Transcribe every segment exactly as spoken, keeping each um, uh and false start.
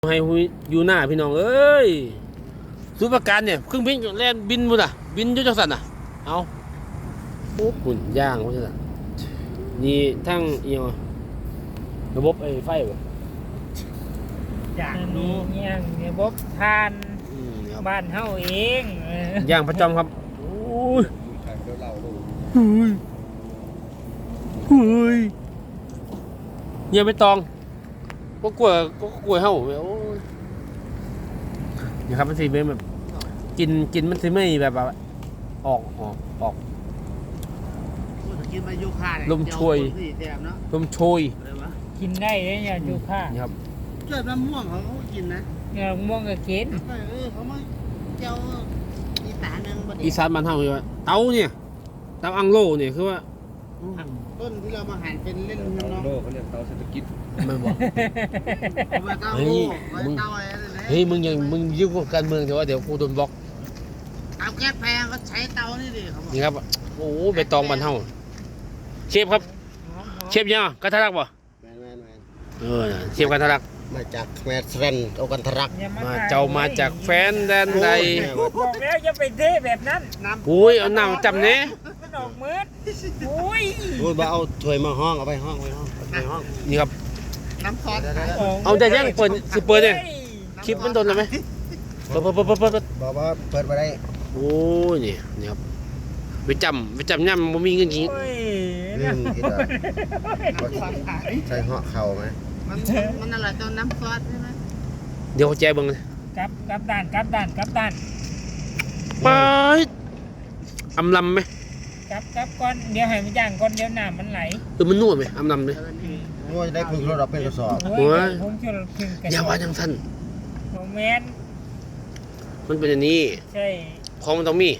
ให้อยู่หน้าพี่น้องเอ้ยสุประการเนี่ยเครื่องบินแล่นบินบุ่นอ่ะบินอยุจังสันอ่ะเอาโอ้หุ่นย่างเขาจะนี่ทั้งเอียงระบบไอ้ไฟบ่อย่างนี้ย่างระบบทานบ้านเฮาเองย่างประจำครับโอ้ยเฮ้ยเฮ้ยเงียบไม่ตองก็กลัวก็กลัวเฮาโอ้ยนี่ครับมันสิเป็นแบบกินกินมันสิไม่แบบแบบออกออกออกกินมาโยคะลมช่วยลมช่วยกินได้เลยเนี่ยยูค่านี่ครับเกิดมะม่วงเขาก็กินนะเนี่ยม่วงก็กินเออเขามาเจ้าอีสานนึงบ่ได้อีสานบ้านเฮาคือว่าเตาเนี่ยเตาอังโลเนี่ยคือว่าต้นที่เรามาหั่นเป็นเล่นน้องโลเขาเรียกเตาเศรษฐกิจมันบอกเฮ้ยมึงเฮ้ยมึงยังมึงยุ่งกับการเมืองแต่ว่าเดี๋ยวกูโดนบล็อกเตาแก๊สแพงก็ใช้เตานี่ดิครับนี่ครับโอ้ใบตองบ้านเฮาเชฟครับเชฟยังกระทะรักบ่แมนแมนแมนเออเชฟกระทะรักมาจากแมสเรนเอากันทรักมาเจ้ามาจากแฟนแดนใดบอกแล้วอย่าไปเทแบบนั้นอุ้ยเอาน้ำจำเนี้ยมันออกมืดอุ้ยอุ้ยมาเอาถ้วยมาห้องเอาไปห้องไปห้องไปห้องนี่ครับน้ำซอสเอาแต่ยังเปิดสิเปิดเนี่ยคลิปมันโดนแล้วไหมเปิดเปิดเปิดเปิดเปิดบอกว่าเปิดไปได้โอ้ยนี่นี่ครับไปจำไปจำย่ำมันมีเงินกี่เรื่องกี่ดอกใส่ห่อเข่าไหมมันมันอะไรตอนน้ำซอสใช่ไหมเดี๋ยวแจบังเลยกับกับด้านกับด้านกับด้านไปอำลำไหมกับกับก้อนเดี๋ยวให้มันย่างก้อนเดี๋ยวน้ำมันไหลเออมันนวดไหมอำลำเลยนวดได้พึ่งรถเราเป็นกระสอบโอ้ยอย่าว่าจังสั้นโมเมนต์มันเป็นอย่างนี้ใช่ของมันต้องมี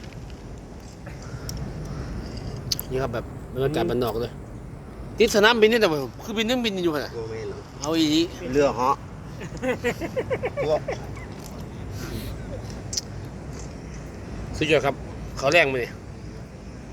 นี่ครับแบบบรรยากาศบ้านนอกเลยติดสนามบินนี่แต่ว่าคือบินนึงบินอยู่ขนาดเอาอีกเรือเหาะสุดยอดครับเขาแรงไปเลย